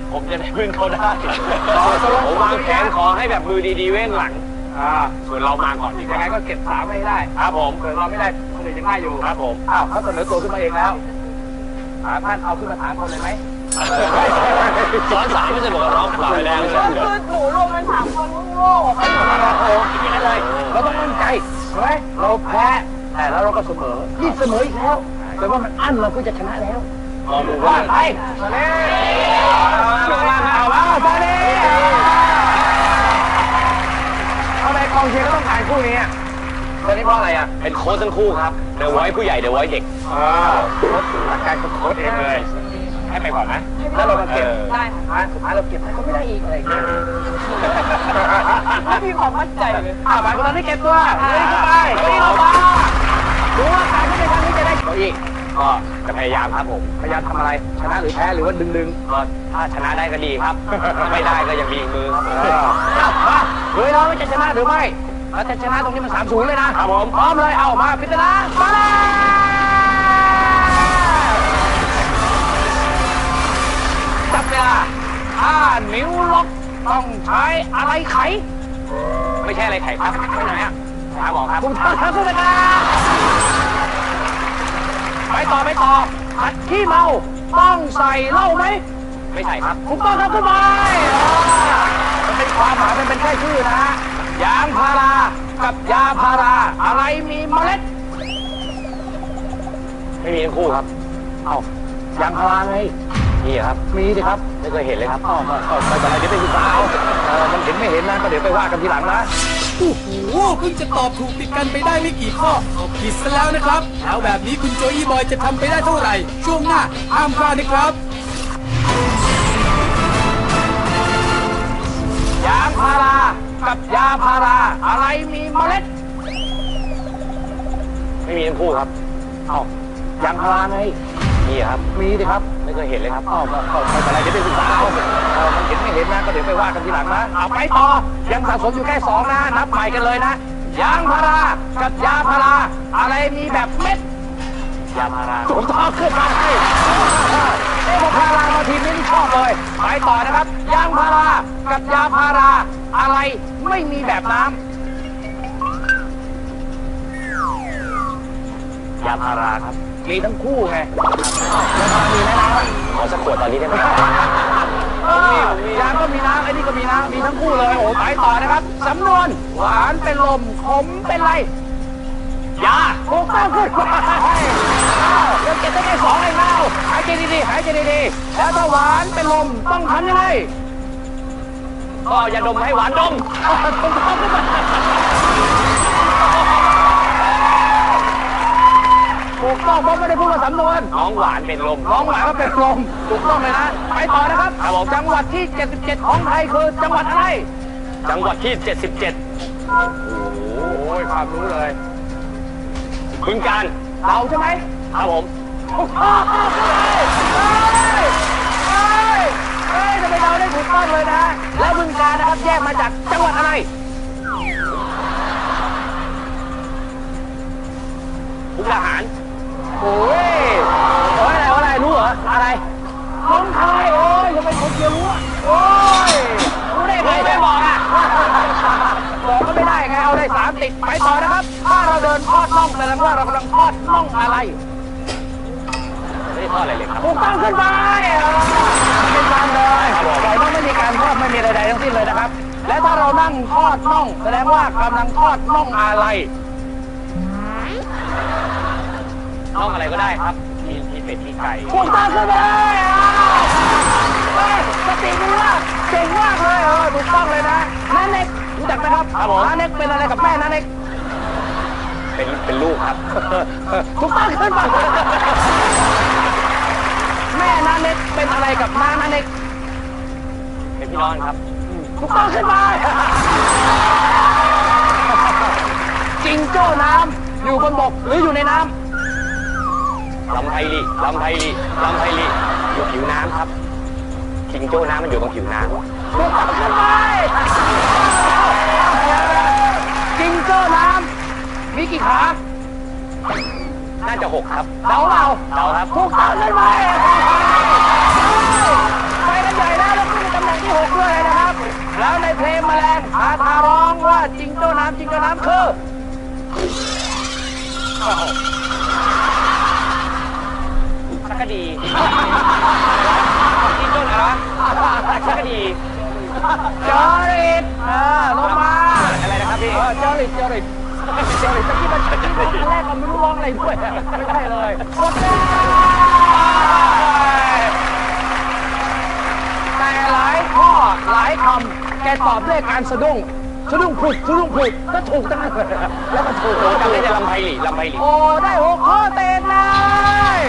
ผมจะได้พึ่งเขาได้ผมวางแผนขอให้แบบมือดีๆเว้นหลังส่วนเรามาก่อนดีกว่ายังไงก็เก็บ3ให้ได้ครับผมเกิดเราไม่ได้คนอื่นยังได้อยู่ครับผมเขาเสนอตัวขึ้นมาเองแล้วท่านเอาขึ้นมาถามคนเลยไหมซ้อน3ไม่ใช่บอกว่าร้องเปล่าแรงคือหนูรวมกัน3คนโง่ไปหมดแล้วโอ้ยอย่างนั้นเลยเราต้องมั่นใจใช่ไหมเราแพ้แต่แล้วเราก็เสมอนี่เสมออีกแล้วแต่ว่ามันอั้นเราก็จะชนะแล้วว่าไปมาเลยเอาว่าซาเน่ทำไมกองเชียร์ก็ต้องการคู่นี้ตอนนี้เพราะอะไรเป็นโค้ชทั้งคู่ครับเดี๋ยวไว้ผู้ใหญ่เดี๋ยวไว้เด็กหลักการโค้ชเองเลยให้ไปก่อนนะแล้วเรามาเก็บได้สุดท้ายเราเก็บก็ไม่ได้อีกอะไรอย่างเงี้ยไม่มีความมั่นใจเลยบางคนตอนนี้เก็บตัวเลยเข้าไปเรามาดูว่าการที่ในครั้งนี้จะได้ตัวอีกก็จะพยายามครับผมพยายามทำอะไรชนะหรือแพ้หรือว่าดึงก็ถ้าชนะได้ก็ดีครับไม่ได้ก็ยังมีมือครับเฮ้ยเราจะชนะหรือไม่เราจะชนะตรงนี้มัน3-0เลยนะครับผมพร้อมเลยเอามาพิจารณามาเลยจับเวลานิ้วล็อกต้องใช้อะไรไขไม่ใช่อะไรไขครับไปไหนหาหมอครับคุณท่านครับคุณตาไปต่อขัดขี้เมาต้องใส่เหล้าไหมไม่ใส่ครับถูกต้องครับขึ้นไปมันเป็นความหมายมันเป็นแค่ชื่อนะฮะยางพารากับยาพาราอะไรมีเมล็ดไม่มีทั้งคู่ครับยางพาราไงมีครับมีสิครับไม่เคยเห็นเลยครับไม่เป็นไรเดี๋ยวไปศึกษามันเห็นไม่เห็นนะก็เดี๋ยวไปว่ากันทีหลังนะโอ้โหเพิ่งจะตอบถูกติดกันไปได้ไม่กี่ข้อผิดซะแล้วนะครับแล้วแบบนี้คุณโจอี้บอยจะทำไปได้เท่าไหร่ช่วงหน้าห้ามพลาดนะครับยางพารากับยาพาราอะไรมีเมล็ดไม่มีทั้งคู่ครับยางพาราไงมีครับมีสิครับไม่เคยเห็นเลยครับไม่เป็นไรเดี๋ยวไปศึกษามันเห็นไม่เห็นนะก็เดี๋ยวไปว่ากันทีหลังนะไปต่อยังสะสมอยู่แค่2นะนับใหม่กันเลยนะยางพารากับยาพาราอะไรมีแบบเม็ดยาพาราถูกต้องขึ้นมาให้พารามาทีนี้ชอบเลยไปต่อนะครับยางพารากับยาพาราอะไรไม่มีแบบน้ำยาพาราครับมีทั้งคู่ไงมีนะขอสักขวดตอนนี้ได้ไหมยางก็มีน้ำไอ้นี่ก็มีน้ำมีทั้งคู่เลยโอ้ไปต่อนะครับสำนวนหวานเป็นลมขมเป็นไรยาถูกต้องขึ้นเดี๋ยวเก็บได้แค่2เองแล้วหายใจดีๆหายใจดีๆแล้วถ้าหวานเป็นลมต้องทำยังไงก็อย่าดมให้หวานดมถูกต้องขึ้นมาถูกต้องเพราะไม่ได้พูดว่าสำนวนน้องหวานเป็นลมน้องหวานก็เป็นลมถูกต้องเลยนะไปต่อนะครับจังหวัดที่77ของไทยคือจังหวัดอะไรจังหวัดที่77โอ้โหความรู้เลยบึงกาฬเราใช่ไหมครับผมถูกต้องทำไมเราได้ถูกต้องเลยนะแล้วบึงกาฬนะครับแยกมาจากจังหวัดอะไรมุกดาหารโอ้ยอะไรรู้เหรออะไรน้องคายโอ้ยจะเป็นคนเดียวรู้โอ้ยรู้ได้ไงไม่บอกบอกก็ไม่ได้ไงเอาได้3ติดไปต่อนะครับถ้าเราเดินทอดน่องแสดงว่าเรากำลังทอดน่องอะไรไม่ได้ทอดอะไรเลยครับถูกต้องขึ้นไปเป็นการเลยปล่อยว่าไม่มีการทอดไม่มีใดๆทั้งสิ้นเลยนะครับและถ้าเรานั่งทอดน่องแสดงว่ากำลังทอดน่องอะไรน่องอะไรก็ได้ครับมีเป็ดมีไก่ถูกต้องขึ้นไปสติดีมากเก่งมากเลยถูกต้องเลยนะน้าเน็กรู้จักไหมครับน้าเน็กเป็นอะไรกับแม่น้าเน็กเป็นลูกครับถูกต้องขึ้นไปแม่น้าเน็กเป็นอะไรกับน้าเน็กเป็นพี่น้องครับถูกต้องขึ้นไปจิงโจ้น้ำอยู่บนบกหรืออยู่ในน้ำลำไพลีอยู่ผิวน้ำครับจิงโจ้น้ำมันอยู่ตรงผิวน้ำถูกต้องขึ้นไปจิงโจ้น้ำมีกี่ขาน่าจะ6ครับเดาครับถูกต้องขึ้นไปไปกันใหญ่แล้วำจิงโจ้น้ำคือชักกะดีจิงโจ้อะไรวะชักกะดีจอริดลงมาอะไรนะครับพี่จอริดตะกี้มันตอนแรกเราไม่รู้ร้องอะไรด้วยไม่ใช่เลยหมดแล้วแต่หลายข้อหลายคำแกตอบด้วยการสะดุ้งผุดก็ถูกตั้งนั้นแล้วก็ถูกจำได้แต่ลำไพลีโอ้ได้6 ข้อเต็มเลย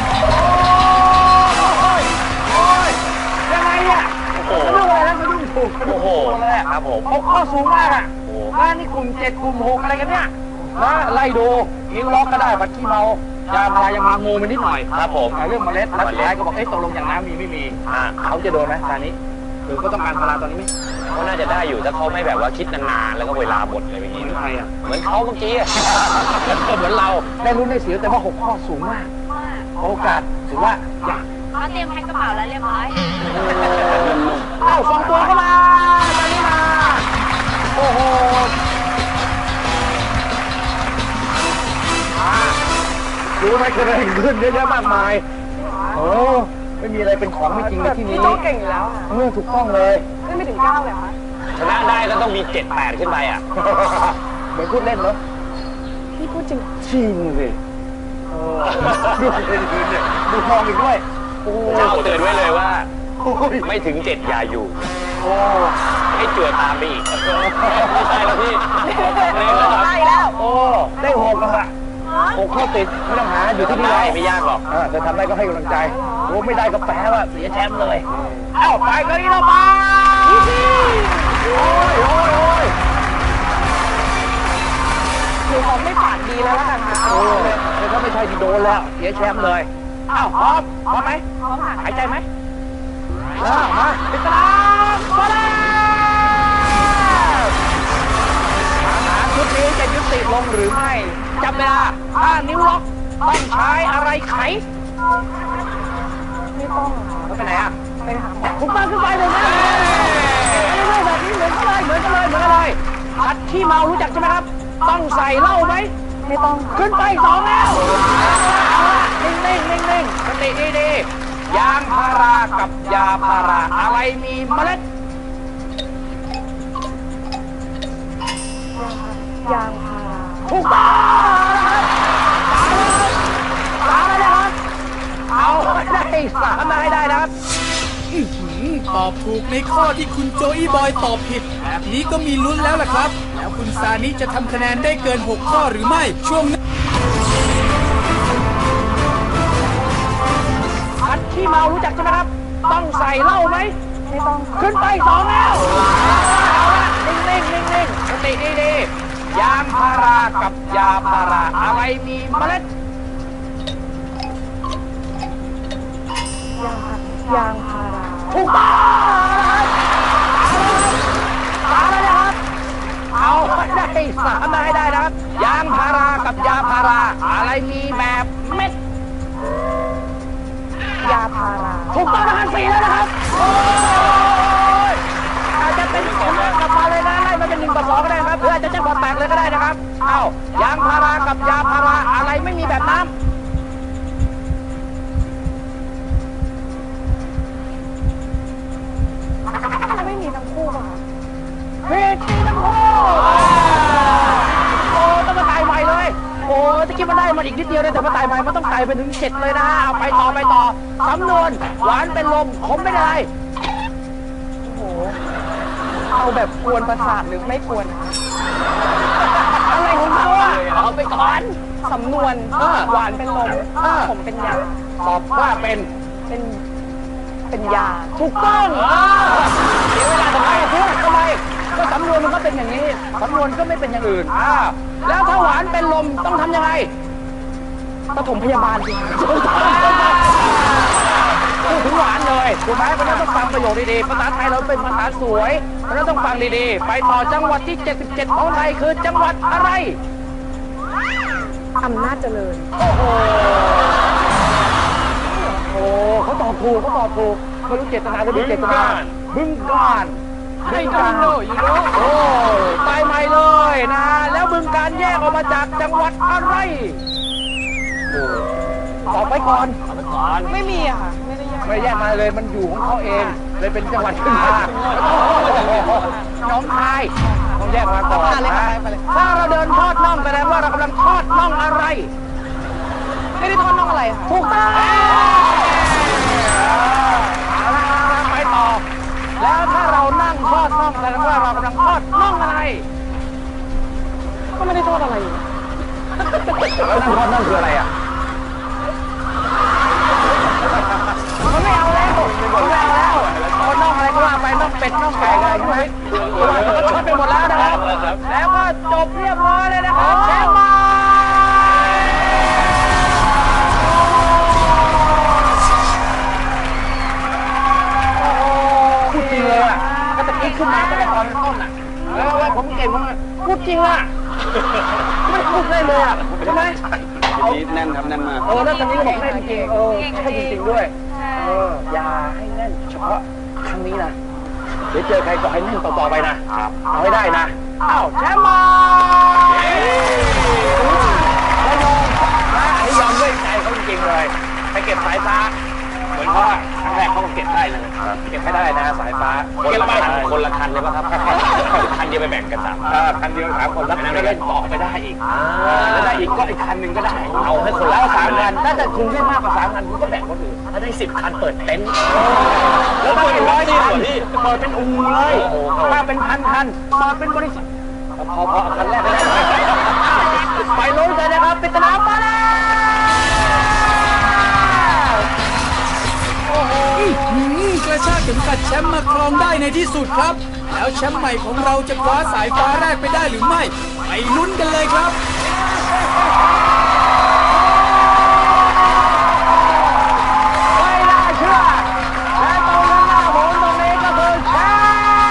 โอ้ยยังไงเนี่ยสะดุ้งอะไรแล้วสะดุ้งถูกโอ้โหเลยครับผม 6 ข้อสูงมากอ่ะงานนี่กลุ่ม7 กลุ่ม 6อะไรกันเนี่ยนะไล่ดูนิ้วล็อกก็ได้บัตรขี้เมายาพารายังมางูมันนิดหน่อยครับผมเรื่องเมล็ดแล้วสุดท้ายก็บอกตกลงอย่างน้ำมีไม่มีเขาจะโดนไหมตอนนี้หรือก็ต้องการพาราตอนนี้ไหมเขาน่าจะได้อยู่ถ้าเขาไม่แบบว่าคิดนานๆแล้วก็เวลาหมดอะไรแบบนี้ใครอ่ะเหมือนเขาเมื่อกี้ก็เหมือนเราได้ลุ้นได้เสียแต่ว่า6 ข้อสูงมากโอกาสถือว่าอยากเขาเตรียมแพ็คกระเป๋าแล้วเรียบร้อยส่งตัวเข้ามาตอนนี้มาโอ้โหรู้ไหมเกิดอะไรขึ้นเยอะแยะมากมายไม่มีอะไรเป็นของไม่จริงในที่นี้พี่โจ้เก่งอยู่แล้วถูกต้องเลยไม่ถึง9เลยคะชนะได้ก็ต้องมี7-8ขึ้นไปอ่ะเหมือนพูดเล่นเนาะพี่พูดจริงสิดูทองอีกด้วยเจ้าเตือนไว้เลยว่าไม่ถึง7อย่าอยู่ให้เจือตามไปอีกไม่ใช่แล้วพี่ได้แล้วได้6แล้วอะ6 ข้อติดไม่ต้องหาอยู่ที่นี่ไม่ยากหรอกจะทำได้ก็ให้กำลังใจไม่ได้ก็แปลว่าเสียแชมป์เลยไปกันนี่เราไปโอ้ยหนูผมไม่ปากดีแล้วกันค่ะถ้าไม่ใช่ที่โดนแล้วเสียแชมป์เลยพร้อมไหมพร้อมค่ะหายใจไหมมาติดตามมาแล้วชุดนี้จะยุติลงหรือไม่จำเวลาถ้านิ้วล็อกต้องใช้อะไรไขไม่ต้องไปไหนอ่ะไปหาหมอถูกต้องขึ้นไปเลยนะแบบนี้เหมือนกันเลยผัดขี้เมารู้จักใช่ไหมครับต้องใส่เหล้าไหมไม่ต้องขึ้นไป2แล้วนิ่งสติดียางพารากับยาพาราอะไรมีเมล็ดยางพาราถูกต้องนะครับเอาได้3มาให้ได้นะครับตอบถูกในข้อที่คุณโจอี้บอยตอบผิดแบบนี้ก็มีลุ้นแล้วล่ะครับแล้วคุณซานิจะทำคะแนนได้เกิน6 ข้อหรือไม่ช่วงนี้ผัดขี้เมารู้จักใช่ไหมครับต้องใส่เหล้าไหมไม่ต้องขึ้นไป2แล้วนิ่งสติดียางพารากับยาพาราอะไรมีเมล็ดยางพาราถูกต้องแล้วนะครับเอาได้3มาให้ได้นะครับยางพารากับยาพาราอะไรมีแบบเม็ดยาพาราถูกต้องนะครับ4แล้วนะครับอาจจะเป็นกลับมาเลยนะไล่มาเป็น1 ต่อ 2ก็ได้ครับหรืออาจจะแจ้งพอแตกเลยก็ได้นะครับยางพารากับยาพาราอะไรไม่มีแบบน้ำไม่มีทั้งคู่ป่ะคะผิดทั้งคู่ต้องมาตายใหม่เลยตะกี้มันได้มาอีกนิดเดียวเลยแต่มาตายใหม่มันต้องไต่ไปถึง7เลยนะเอาไปต่อสำนวนหวานเป็นลมขมเป็นอะไรเอาแบบกวนประสาทหรือไม่กวนอะไรของเขาเอาไปก่อนสำนวนหวานเป็นลมขมเป็นยาตอบว่าเป็นยาถูกต้องเสียเวลาทำไมก็สำนวนมันก็เป็นอย่างนี้สำนวนก็ไม่เป็นอย่างอื่นแล้วถ้าหวานเป็นลมต้องทำยังไงปฐมพยาบาลจริงพูดถึงหวานเลยถูกไหมเพราะนั้นต้องฟังประโยคดีๆภาษาไทยเราเป็นภาษาสวยเพราะนั้นต้องฟังดีๆไปต่อจังหวัดที่77ของไทยคือจังหวัดอะไรอำนาจเจริญเขาตอบถูกไม่รู้เจตนาหรือไม่เจตนาบึงกาฬบึงการโอ้ไปใหม่เลยนะแล้วบึงการแยกออกมาจากจังหวัดอะไรตอบไปก่อนไม่มีอะค่ะ ไม่ได้แยกไม่แยกมาเลยมันอยู่ของเขาเองเลยเป็นจังหวัดขึ้นมาน้องคายต้องแยกมาก่อนนะถ้าเราเดินทอดน่องแสดงว่าเรากำลังทอดน่องอะไรไม่ได้ทอดน่องอะไรค่ะถูกต้องเอาละไปต่อแล้วถ้าเรานั่งทอดน่องแสดงว่าเรากำลังทอดน่องอะไรก็ไม่ได้ทอดอะไรอยู่แล้วนั่งทอดน่องคืออะไรอ่ะมันไม่เอาแล้วไม่เอาแล้วทอดน่องอะไรก็ว่าไปน่องเป็ดน่องไก่อะไรใช่ไหมก็ทอดไปหมดแล้วนะครับ แล้วก็จบเรียบร้อยเลยนะครับแชมป์มาพูดจริงเลยอ่ะก็ตะกี้ขึ้นมาตั้งแต่ตอนต้นอ่ะแล้วผมเก่งมากพูดจริงอ่ะไม่พูดได้เลยอ่ะใช่ไหมนี้แน่นครับแน่นมากแล้วตอนนี้ก็บอกแน่นจริงให้จริงๆด้วยอย่าให้แน่นเฉพาะครั้งนี้นะเดี๋ยวเจอใครก็ให้แน่นต่อๆไปนะเอาให้ได้นะอ้าวแชมป์มาแล้วยอมนะอันนี้ยอมด้วยใจเขาจริงๆเลยไปเก็บสายฟ้าเหมือนเขาครั้งแรกเขาก็เก็บได้เลยเก็บไม่ได้นะสายฟ้าคนละคันเลยป่ะครับคันเดียวไปแบ่งกันสามคันเดียว3 คนแล้วก็เล่นต่อไปได้อีกแล้วได้อีกก็อีกคันหนึ่งก็ได้เอาให้คนละแล้ว3 คันถ้าจะคุณได้มากกว่า3 คันคุณก็แบ่งคนอื่นถ้าได้10 คันเปิดเต็นท์แล้วเปิดเป็น100 คันเปิดเป็นอู่เลยถ้าเป็น1,000 คันเปิดเป็นบริษัทพอเอาคันแรกไปได้ไปลุ้นกันนะครับปริศนามาแล้วกระชากเข็มขัดแชมป์มาครองได้ในที่สุดครับ แล้วแชมป์ใหม่ของเราจะคว้าสายฟ้าแรกไปได้หรือไม่ไปลุ้นกันเลยครับไม่น่าเชื่อและตรงข้างหน้าผมตรงนี้ก็คือแชมป์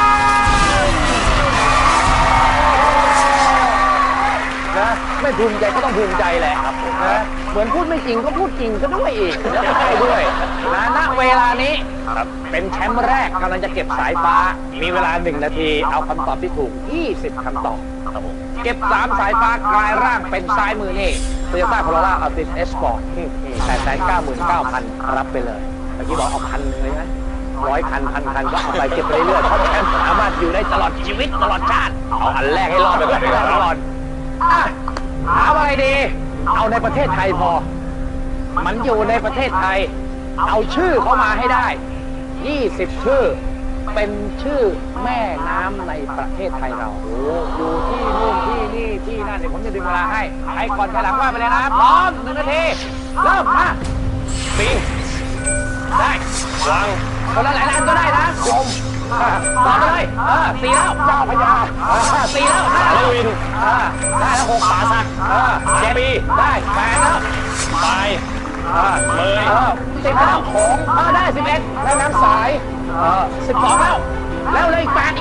นะไม่ภูมิใจก็ต้องภูมิใจแหละครับนะเหมือนพูดไม่จริงก็พูดจริงก็ด้วยอีกแล้วก็ได้ด้วยนะณเวลานี้เป็นแชมป์แรกกำลังจะเก็บสายฟ้ามีเวลา1 นาทีเอาคำตอบที่ถูก20 คำตอบเก็บ3 สายฟ้ากลายร่างเป็นซ้ายมือนี่ Toyota Corolla Altis S Sport 899,000 รับไปเลยเมื่อกี้บอกเอา1,000เลยไหม100 คัน 1,000 คันก็เอาไปเก็บไปเรื่อยๆเพราะแชมป์สามารถอยู่ได้ตลอดชีวิตตลอดชาติเอาอันแรกให้รอดไปก่อนถามอะไรดีเอาในประเทศไทยพอมันอยู่ในประเทศไทยเอาชื่อเข้ามาให้ได้20 ชื่อเป็นชื่อแม่น้ำในประเทศไทยเราอยู่ที่นู่นที่นี่ที่นั่นเดี๋ยวผมจะดึงเวลาให้ใครก่อนใครหลังว่าไปเลยนะพร้อม1 นาทีเริ่มมาปิงได้วังคนละหลายอันก็ได้นะลมต่อไปเลย4 แล้วเจ้าพญา4 แล้ว5 แล้ววินได้แล้ว6 ป่าสัก7 ปีได้8 แล้วไปเลย 10 แล้วของได้11แล้วน้ำสาย12 แล้วเลยอีก8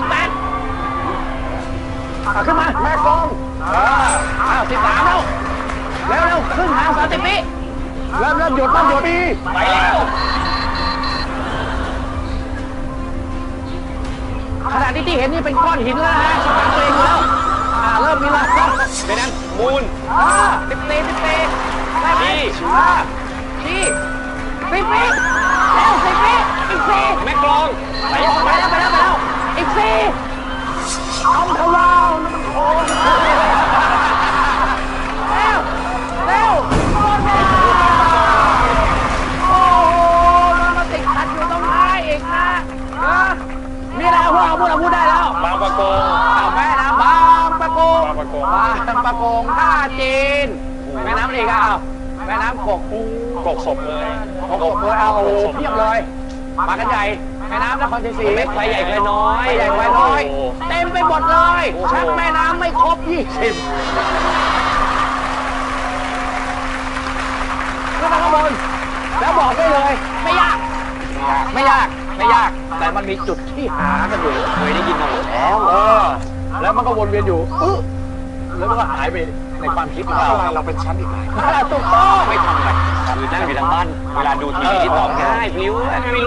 ขึ้นมาแม่กอง13 แล้วขึ้นหาง30 ปีเริ่มหยุดปีไปแล้วขณะที่เห็นนี่เป็นก้อนหินแล้วนะสมองตัวเองแล้วเริ่มมีแล้วเป็นนั้นมูล 10 ปีได้ไหมชี้10 ปีแล้ว10 ปีอีก4 แม่กลองไปแล้วอีก4เอาทวารมันโค้งเร็วหมดเวลาโอ้โหมันมาติดขัดอยู่ตรงท้ายอีกนะมีอะไรพูดได้แล้วบางประกงแม่น้ำบางปะกงท่าจีนแม่น้ำอะไรกันแม่น้ำกกศพเลยเอาเพียบเลยมากันใหญ่แม่น้ำนครชัยศรีเม็ดไฟใหญ่ไฟน้อยเต็มไปหมดเลยชักแม่น้ำไม่ครบ20ขึ้นมาข้างบนแล้วบอกได้เลยไม่ยากแต่มันมีจุดที่หากันอยู่เคยได้ยินมาหมดแล้วแล้วมันก็วนเวียนอยู่แล้วมันก็หายไปในความคิดของเราเป็นชั้นอีกถูกต้องไม่ทำอะไรคือนั่งอยู่ทางบ้านเวลาดูทีวีที่ตอบง่ายพลิ้ว